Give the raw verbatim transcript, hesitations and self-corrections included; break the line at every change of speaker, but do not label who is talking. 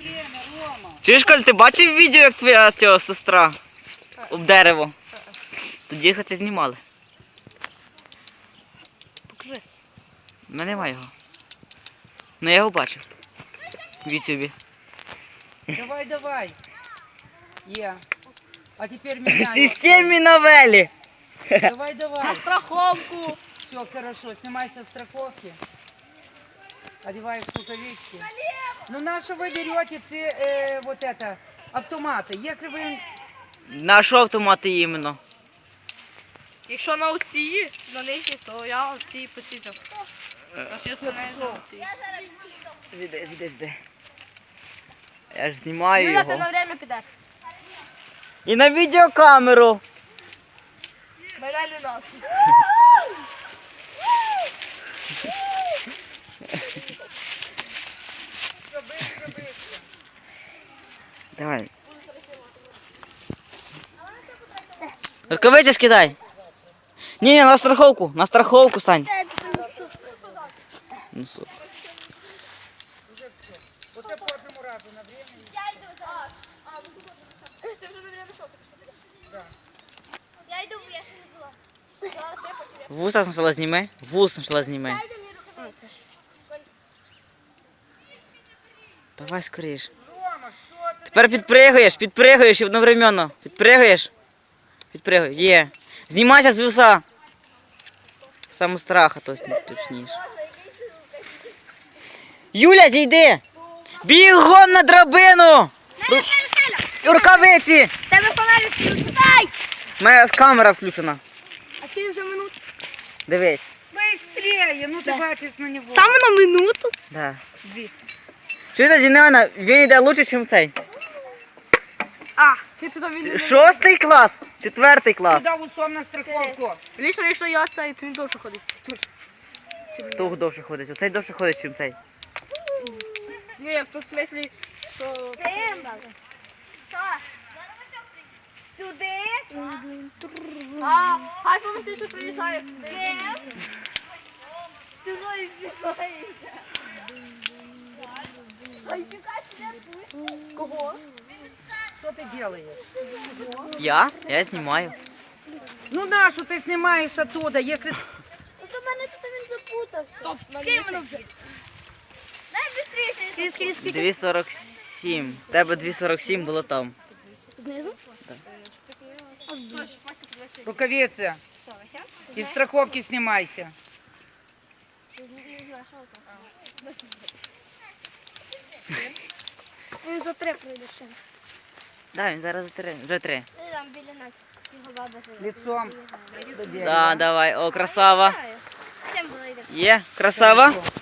Чуєш, Коль, ти бачив відео, як твоя цього сестра об дерево? Тоді їх це знімали. Покажи. У мене немає його. Ну я його бачив. В ютубі.
Давай, давай. Є. А тепер меняй.
Системні новелі.
Давай, давай.
На страховку.
Все, хорошо. Снимай со страховки. Одеваешь рукавички. Ну на что вы берете ці, э, вот это, автоматы? Если вы...
На що автомати іменно?
Якщо на оці, на нижні, то я оці посідав. А всі остальні на оці.
Зіде, зіде, зіде. Я ж знімаю
Юля, ти
його.
на время піде.
І на відеокамеру.
Мене не носить.
Давай. Рукавиці скидай. Ні, ні, на страховку, на страховку стань. Несу.
Вот это по одному разу на время.
Я йду зараз.
Ти вже на время що?
Я йду, я ще не була. Зараз я потім.
Вуса спочатку зніми. Вус спочатку зніми.
Дай мені рукавиці.
Давай скоріш.
Рома, что ты?
Тепер підпригуєш, підпригуєш і одновременно. Підпригуєш. Підпригуй. Є. Знімайся з вуса. Саме страха, точніше. Юля, зійди! Бігом на драбину! Ру- Рукавиці!
Тебе фонарик включай!
Моя камера включена.
А ти вже минуту.
Дивись.
Быстрее, ну ты бачишь на него.
Саме на минуту?
Да. Чуєте, Зінеона, він йде лучше, ніж цей.
А, чи ти там він?
Шостий клас, четвертий клас.
Туда усом на страховку.
Лічно, якщо я цей, то він довше ходить.
Хто довше ходить? Оцей довше ходить, ніж цей.
Ні, в тому смислі, що...
Сюди.
А, хай помисли, що приїжджає.
Ти зої знімаєшся. Ай, чекай, не
Кого?
Что ты делаешь?
Я? Я знімаю.
Ну на что ты снимаешь оттуда, если...
Це в мене тут він запутався.
Стоп,
Скинь воно вже. Дай швидше. Скинь, скинь, скинь.
дві сорок сім. Тебе дві сорок сім було там.
Знизу?
Рукавицы. Из страховки снимайся.
Він за три пройде ще.
Да, він зараз три. Вже три.
Ти там біля нас. Його баба живе.
Лицом до дерева.
Да, давай. О, красава.
Чим було йде?
Є, красава.